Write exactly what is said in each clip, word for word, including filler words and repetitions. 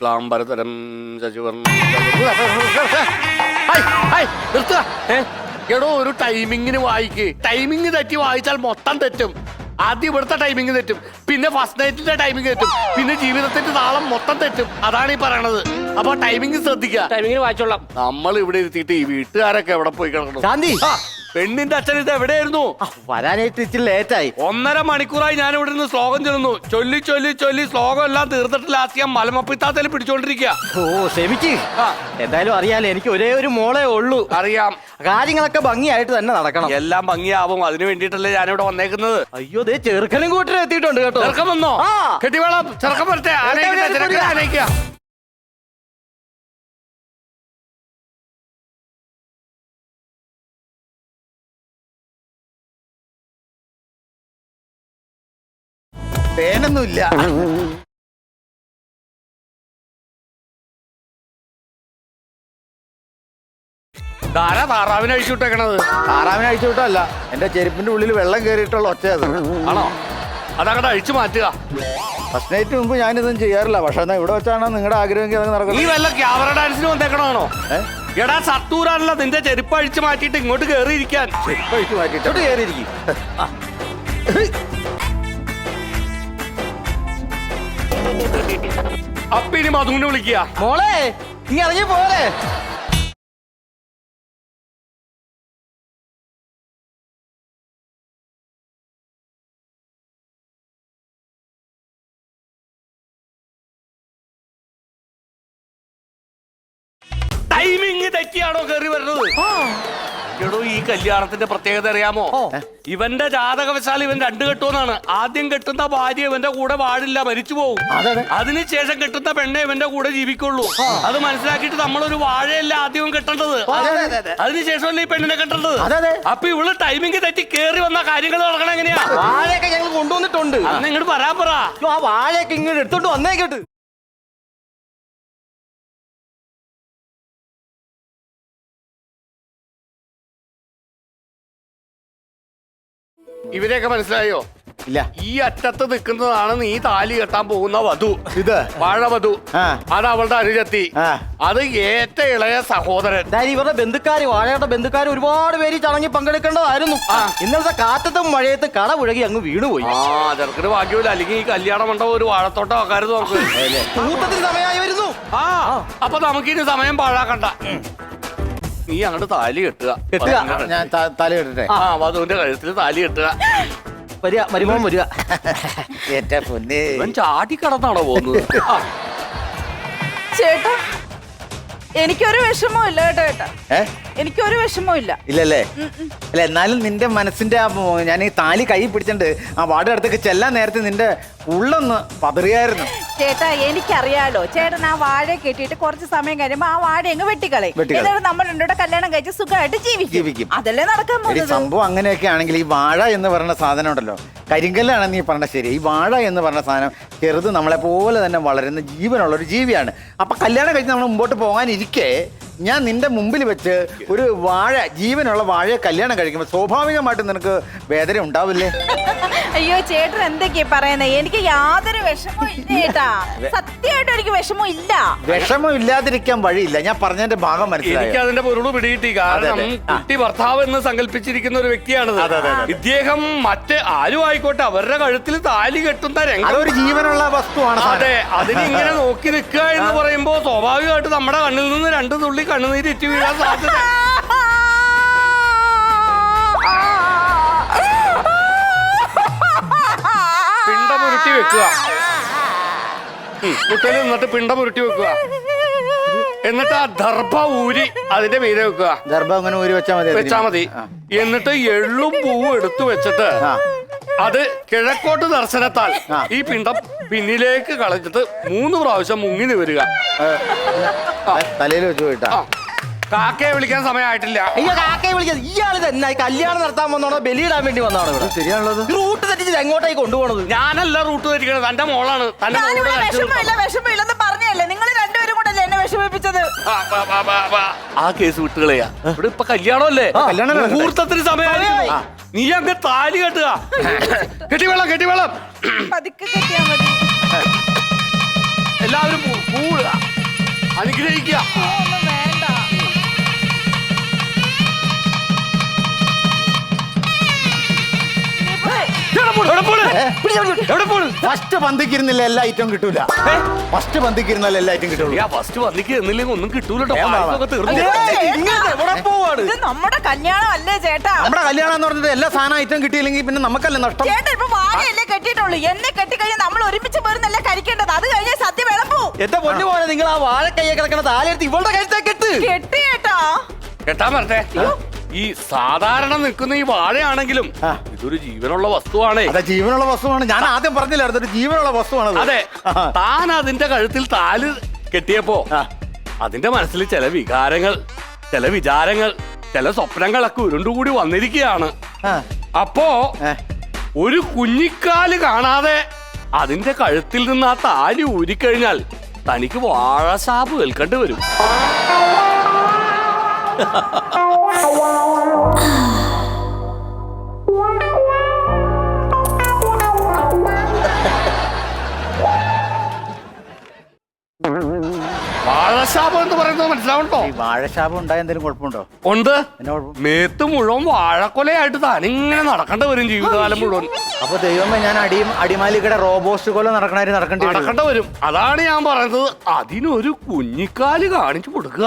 ക്ലാംബരതരം നിർത്തുക. എടോ ഒരു ടൈമിങ്ങിന് വായിക്ക്. ടൈമിങ് തെറ്റി വായിച്ചാൽ മൊത്തം തെറ്റും. ആദ്യം ഇവിടുത്തെ ടൈമിങ് തെറ്റും, പിന്നെ ഫസ്റ്റ് നൈറ്റിന്റെ ടൈമിങ് തെറ്റും, പിന്നെ ജീവിതത്തിന്റെ താളം മൊത്തം തെറ്റും. അതാണ് ഈ പറയണത്. അപ്പൊ ടൈമിങ് ശ്രദ്ധിക്കുക. ടൈമിങ്ങിന് വായിച്ചോളാം. നമ്മൾ ഇവിടെ ഇരുത്തിയിട്ട് ഈ വീട്ടുകാരൊക്കെ എവിടെ പോയി കിടക്കണം? ശാന്തി, പെണ്ണിന്റെ അച്ഛൻ ഇത് എവിടെയായിരുന്നു? വരാനായിട്ട് ഇച്ചിരി ലേറ്റായി. ഒന്നര മണിക്കൂറായി ഞാൻ ഇവിടെ നിന്ന് ശ്ലോകം ചൊല്ലുന്നു. ചൊല്ലി ചൊല്ലി ചൊല്ലി ശ്ലോകം എല്ലാം തീർത്തിട്ട് ലാസ്റ്റ് ഞാൻ മലമപ്പിത്താത്തല് പിടിച്ചോണ്ടിരിക്കുക. ഓ ക്ഷമിക്ക്. എന്തായാലും അറിയാലോ, എനിക്ക് ഒരേ ഒരു മോളേ ഉള്ളൂ. അറിയാം. കാര്യങ്ങളൊക്കെ ഭംഗിയായിട്ട് തന്നെ നടക്കണം. എല്ലാം ഭംഗിയാവും. അതിനു വേണ്ടിട്ടല്ലേ ഞാനിവിടെ വന്നേക്കുന്നത്. അയ്യോ, ദേ ചെറുക്കനും കൂട്ടരും എത്തിയിട്ടുണ്ട് കേട്ടോ. ചെറുക്കം വന്നോ? കെട്ടിവേളം ചെറുക്കം വരട്ടെ. ആനയിക്കുക. പേനൊന്നുമില്ല. ധാരാ താറാവിനെ അഴിച്ചു വിട്ടേക്കണത്. താറാവിനെ അഴിച്ചു വിട്ടല്ല, എന്റെ ചെരുപ്പിന്റെ ഉള്ളിൽ വെള്ളം കയറിയിട്ടുള്ള ഒച്ചയത്. ആണോ? അതങ്ങോട്ട് അഴിച്ചു മാറ്റുക. ഫസ്റ്റ് നൈറ്റ് മുമ്പ് ഞാനിതൊന്നും ചെയ്യാറില്ല. പക്ഷെ എന്നാ ഇവിടെ വെച്ചാണോ നിങ്ങളുടെ ആഗ്രഹമെങ്കിൽ അത് നടക്കും. നീ വല്ല ക്യാമറ ഡാൻസിന് വന്നേക്കണോ? എടാ സത്തൂരാണല്ലോ നിന്റെ ചെരുപ്പ് അഴിച്ചു മാറ്റിയിട്ട് ഇങ്ങോട്ട് കേറിയിരിക്കാൻ. ചെരുപ്പ് അഴിച്ചു മാറ്റിയിട്ട് കയറിയിരിക്കും. അപ്പൊ ഇനി മധുവിനെ വിളിക്കുക. മോളെ ഇനി ഇറങ്ങി പോലെ. ടൈമിങ് തെറ്റിയാണോ കയറി വരുന്നത്? എടോ ഈ കല്യാണത്തിന്റെ പ്രത്യേകത അറിയാമോ? ഇവന്റെ ജാതകവശാൽ ഇവൻ രണ്ടു കെട്ടുമെന്നാണ്. ആദ്യം കെട്ടുന്ന ഭാര്യ ഇവന്റെ കൂടെ വാഴില്ല, മരിച്ചു പോകും. അതിനുശേഷം കെട്ടുന്ന പെണ്ണെ ഇവന്റെ കൂടെ ജീവിക്കുള്ളൂ. അത് മനസ്സിലാക്കിയിട്ട് നമ്മളൊരു വാഴയല്ല ആദ്യം കെട്ടേണ്ടത്. അതിനുശേഷമല്ലേ ഈ പെണ്ണിനെ കെട്ടേണ്ടത്. അപ്പൊ ഇവള് ടൈമിങ് തെറ്റി കേറി വന്ന കാര്യങ്ങൾ നടക്കണം എങ്ങനെയാ? വാഴയൊക്കെ ഞങ്ങൾ കൊണ്ടുവന്നിട്ടുണ്ട്. അന്ന് ഇങ്ങോട്ട് പറയാൻ പറ. ആ വാഴയൊക്കെ ഇങ്ങോട്ട് എടുത്തോണ്ട് വന്നേക്കട്ട്. ഇവരെയൊക്കെ മനസ്സിലായോ? ഇല്ല. ഈ അറ്റത്ത് നിൽക്കുന്നതാണ് നീ താലി കെട്ടാൻ പോകുന്ന വധു. ഇത് വാഴവധു. അത് അവളുടെ അനുജത്തി. അത് ഏറ്റ ഇളയ സഹോദരൻ. ഇവരുടെ ബന്ധുക്കാര്, വാഴയുടെ ബന്ധുക്കാര് ഒരുപാട് പേര് ചടങ്ങി പങ്കെടുക്കേണ്ടതായിരുന്നു. ഇന്നലത്തെ കാറ്റത്തും മഴയത്തും കട പുഴകി അങ്ങ് വീണുപോയി. ആ ചെറുക്കിന് ഭാഗ്യമില്ല. അല്ലെങ്കിൽ ഈ കല്യാണം മണ്ഡപം ഒരു വാഴത്തോട്ടം ആക്കാരുത് നമുക്ക്. കൂട്ടത്തിന് സമയമായി വരുന്നു. ആ അപ്പൊ നമുക്കിനി സമയം പാഴാക്കണ്ട. നീ അങ്ങോട്ട് താലി കെട്ടുക. കെട്ടുക. ഞാൻ താലി കെട്ടട്ടെ. ആ വധുവിന്റെ കഴുത്തിൽ താലി കെട്ടുക. വരിക, മരുമോൻ വരിക. ഏറ്റ പൊന്നേ, ഇവൻ ചാടി കടന്നാണോ പോകുന്നത്? ചേട്ടാ എനിക്കൊരു വിഷമവും ഇല്ല കേട്ടോ. ചേട്ടാ ഏ എനിക്കൊരു വിഷമവും ഇല്ല. ഇല്ലല്ലേ? അല്ല എന്നാലും നിന്റെ മനസ്സിന്റെ ആ ഞാൻ ഈ താലി കൈ പിടിച്ചിട്ടുണ്ട്. ആ വാർഡ് അടുത്തേക്ക് ചെല്ലാൻ നേരത്തെ നിന്റെ ഉള്ളൊന്ന് പതറിയായിരുന്നു. ചേട്ടാ എനിക്കറിയാലോ, ചേട്ടൻ ആ വാഴ കെട്ടിയിട്ട് കുറച്ച് സമയം കഴിയുമ്പോ ആ വാഴ അങ്ങ് വെട്ടിക്കളയും. എന്നിട്ട് നമ്മൾ രണ്ടോടെ കല്യാണം കഴിച്ച് സുഖമായിട്ട് ജീവിക്കും. അതല്ലേ നടക്കാൻ പോകുന്നത്. സംഭവം അങ്ങനെയൊക്കെ ആണെങ്കിൽ ഈ വാഴ എന്ന് പറയുന്ന സാധനം ഉണ്ടല്ലോ, കരിങ്കല്ലാണ് നീ പറഞ്ഞ ശരി. ഈ വാഴ എന്ന് പറഞ്ഞ സാധനം ചെറുത് നമ്മളെ പോലെ തന്നെ വളരുന്ന ജീവനുള്ള ഒരു ജീവിയാണ്. അപ്പൊ കല്യാണം കഴിച്ച് നമ്മൾ മുമ്പോട്ട് പോകാനിരിക്കെ ഞാൻ നിന്റെ മുമ്പിൽ വെച്ച് ഒരു വാഴ, ജീവനുള്ള വാഴയെ കല്യാണം കഴിക്കുമ്പോൾ സ്വാഭാവികമായിട്ടും നിനക്ക് വേദന ഉണ്ടാവില്ലേ? അയ്യോ ചേട്ടൻ എന്തൊക്കെയാ പറയുന്നത്? എനിക്ക് യാതൊരു വിഷമവും ഇല്ല ചേട്ടാ. സത്യമായിട്ടും എനിക്ക് വിഷമം ഇല്ല. വിഷമം ഇല്ലാതിരിക്കാൻ വഴിയില്ല. ഞാൻ പറഞ്ഞതിന്റെ ഭാഗം മനസ്സിലായി. എനിക്ക് അതിന്റെ പൊരുള് പിടികിട്ടി. കാരണം കുട്ടി ഭർത്താവ് എന്ന് സങ്കല്പിച്ചിരിക്കുന്ന ഒരു വ്യക്തിയാണത്. ഇദ്ദേഹം മറ്റ് ആരും ആയിക്കോട്ടെ അവരുടെ കഴുത്തിൽ താലി കെട്ടുന്ന രംഗം അതൊരു ജീവനുള്ള വസ്തുവാണ്. അതെ, അതിനിങ്ങനെ നോക്കി നിൽക്കുക എന്ന് പറയുമ്പോ സ്വാഭാവികമായിട്ട് നമ്മുടെ കണ്ണിൽ നിന്ന് രണ്ട് തുള്ളി കണ്ണുനീര് ഇറ്റി വീഴാൻ സാധ്യത. പിണ്ടം ഉരുട്ടി വെക്കുക. കുട്ടയിൽ നിന്നിട്ട് പിണ്ടം ഉരുട്ടി വെക്കുക. എന്നിട്ട് ആ ദർഭ ഊരി അതിന്റെ മീതെ വെക്കുക. ദർഭ അങ്ങനെ ഊരി വെച്ചാൽ മതി വെച്ചാ മതി. എന്നിട്ട് എള്ളും പൂവും എടുത്തു വെച്ചിട്ട് അത് കിഴക്കോട്ട് ദർശനത്താൽ ഈ പിണ്ടം പിന്നിലേക്ക് കളഞ്ഞിട്ട് മൂന്ന് പ്രാവശ്യം മുങ്ങി നിവരുക. തലയിൽ വെച്ച് പോയിട്ടാ. കാക്കയെ വിളിക്കാൻ സമയമായിട്ടില്ല. അയ്യോ കാക്കയെ വിളിക്കാൻ ഇയാൾ തന്നെ കല്യാണം നടത്താൻ വന്നോണോ ബലിയിടാൻ വേണ്ടി വന്നതാണോ ഇവിടെ? ശരിയാണല്ലോ. റൂട്ട് തെറ്റിച്ച് എങ്ങോട്ടേക്ക് കൊണ്ടുപോകണത്? ഞാനല്ല റൂട്ട് തെറ്റിക്കണത്, തന്റെ മോളാണ്. വിഷമമില്ല വിഷമമില്ലെന്ന് പറഞ്ഞല്ലേ നിങ്ങൾ രണ്ടുപേരും കൂടെ എന്നെ വിഷമിപ്പിച്ചത്. ആ കേസ് വിട്ടുകളയാ. ഇവിടെ ഇപ്പൊ കല്യാണമല്ലേ? മുഹൂർത്തത്തിന് സമയമായി. നീ അങ്ങ് താലി കെട്ടുക. കെട്ടിവെള്ളം കെട്ടിവെള്ളം പതുക്കെ കെട്ടിയാ മതി. എല്ലാവരും പൂ- പൂവിടുക അനുഗ്രഹിക്കുക. ഒന്നും വേണ്ട. എവിടെ പോണ്? എവിടെ പോണ്? എവിടെ പോണ്? ഫസ്റ്റ് പന്തിക്കിരുന്നില്ല എല്ലാ ഐറ്റവും കിട്ടൂല. ഫസ്റ്റ് പന്തിക്കിരുന്നാലും എല്ലാ ഐറ്റം കിട്ടുള്ളൂ. ആ ഫസ്റ്റ് വന്നിക്ക് എന്നില്ലെങ്കിൽ ഒന്നും കിട്ടൂലട്ടോ. ഏ, വാ, വാ. പായസമൊക്കെ തീർന്നു. ഇത് നമ്മുടെ കല്യാണം അല്ലേ ചേട്ടാ? നമ്മുടെ കല്യാണം എന്ന് പറഞ്ഞിട്ട് എല്ലാ സാധനം ഐറ്റം കിട്ടിയില്ലെങ്കിൽ പിന്നെ നമുക്കല്ലേ നഷ്ടം. ചേട്ടാ ഇപ്പൊ വാഴയല്ലേ കെട്ടിയിട്ടുള്ളൂ. എന്നെ കെട്ടിക്കഴിഞ്ഞാൽ നമ്മൾ ഒരുമിച്ച് പോരുന്നല്ലേ കഴിക്കേണ്ടത്. അത് കഴിഞ്ഞാൽ സദ്യ വിളമ്പൂ. എന്റെ പൊന്നു പോലെ നിങ്ങൾ ആ വാഴ കയ്യെ കിടക്കണ താലെടുത്ത് ഇവളുടെ കഴുത്തേ കെട്ട്. കെട്ടി ചേട്ടാ. കേട്ടാ വരട്ടെ. ഈ സാധാരണ നിൽക്കുന്ന ഈ വാഴയാണെങ്കിലും ആ. ഇതൊരു ജീവനുള്ള വസ്തുവാണേ. അതെ, ജീവനുള്ള വസ്തുവാണ്. ഞാൻ ആദ്യം പറഞ്ഞില്ലായിരുന്നു ഒരു ജീവനുള്ള വസ്തുവാണ്. അതെ, താൻ അതിന്റെ കഴുത്തിൽ താല് കെട്ടിയപ്പോ ആ. അതിന്റെ മനസ്സിൽ ചില വികാരങ്ങൾ, ചില വിചാരങ്ങൾ, ചില സ്വപ്നങ്ങളൊക്കെ ഉരുണ്ടുകൂടി വന്നിരിക്കുകയാണ്. അപ്പോ ഒരു കുഞ്ഞിക്കാല് കാണാതെ അതിന്റെ കഴുത്തിൽ നിന്ന് ആ താലി ഊരിക്കഴിഞ്ഞാൽ തനിക്ക് വാഴശാപ് കേൾക്കേണ്ടി വരും. വാഴശാപം എന്ന് പറയുന്നത് മനസ്സിലാവണ്ടോ? ഈ വാഴശാപം ഉണ്ടായ എന്തെങ്കിലും കുഴപ്പമുണ്ടോ? ഉണ്ട്. എന്നാ കുഴപ്പം? മേത്ത് മുഴുവൻ വാഴക്കൊലയായിട്ട് താനിങ്ങനെ നടക്കേണ്ടി വരും ജീവിതകാലം മുഴുവൻ. അപ്പൊ ദൈവമേ, ഞാൻ അടി അടിമാലിക്കടെ റോബോസ്റ്റ് പോലെ നടക്കണായിട്ട് നടക്കേണ്ടി വരും. നടക്കേണ്ടി വരും. അതാണ് ഞാൻ പറയുന്നത്. അതിനൊരു കുഞ്ഞിക്കാല് കാണിച്ചു കൊടുക്കുക.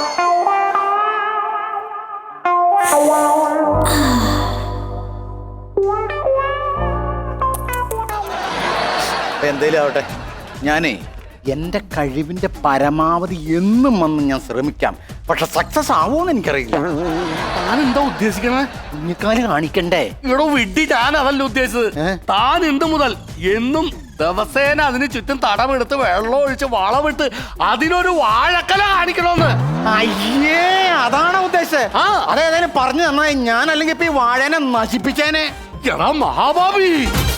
എന്തേലും ആവട്ടെ, ഞാനേ എന്റെ കഴിവിന്റെ പരമാവധി എന്നും വന്ന് ഞാൻ ശ്രമിക്കാം. പക്ഷെ സക്സസ് ആവുമെന്ന് എനിക്കറിയില്ല. താൻ എന്താ ഉദ്ദേശിക്കണേ? കുഞ്ഞിക്കാല് കാണിക്കണ്ടേ? ഇവിടെ വിഡ്ഢി, ഞാൻ അതല്ല ഉദ്ദേശിച്ചത്. ഏ? താൻ എന്ത് മുതൽ എന്നും ദിവസേന അതിന് ചുറ്റും തടമെടുത്ത് വെള്ളം ഒഴിച്ച് വളമിട്ട് അതിനൊരു വാഴക്കല കാണിക്കണമെന്ന്. അയ്യേ, അതാണോ ഉദ്ദേശിച്ചത്? ആ. അതേതായാലും പറഞ്ഞു തന്നായി. ഞാൻ അല്ലെങ്കിൽ ഇപ്പൊ ഈ വാഴനെ നശിപ്പിച്ചേനെ. എടാ മഹാഭാവി,